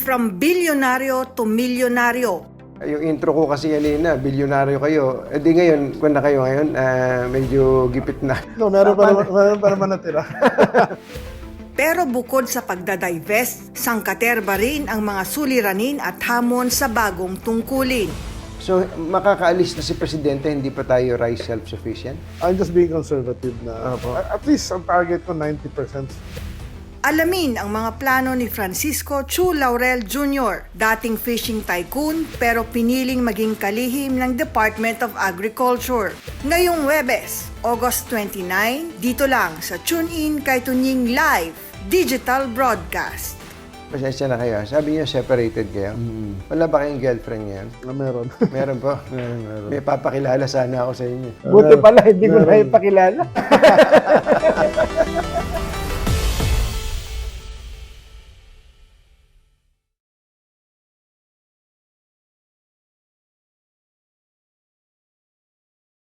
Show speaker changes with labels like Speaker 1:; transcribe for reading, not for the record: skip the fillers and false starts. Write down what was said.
Speaker 1: From bilyonaryo to milyonaryo.
Speaker 2: Yung intro ko kasi kanina, bilyonaryo kayo. Eh di ngayon, kung na kayo ngayon, medyo gipit na.
Speaker 3: No, meron pa naman natira.
Speaker 1: Pero bukod sa pagdadivest, sangkaterba rin ang mga suliranin at hamon sa bagong tungkulin.
Speaker 2: So, makakaalis na si Presidente, hindi pa tayo rice self-sufficient?
Speaker 3: I'm just being conservative na. At least ang target ko 90%.
Speaker 1: Alamin ang mga plano ni Francisco Chu Laurel Jr., dating fishing tycoon pero piniling maging kalihim ng Department of Agriculture. Ngayong Huwebes, August 29, dito lang sa TuneIn kay Tunying Live Digital Broadcast.
Speaker 2: Pasensya na kayo. Sabi niyo, separated kayo. Wala ba kayong girlfriend ngayon?
Speaker 3: Meron.
Speaker 2: Meron po?
Speaker 3: Meron.
Speaker 2: May papakilala sana ako sa inyo.
Speaker 3: Buti pala, hindi ko na ipakilala.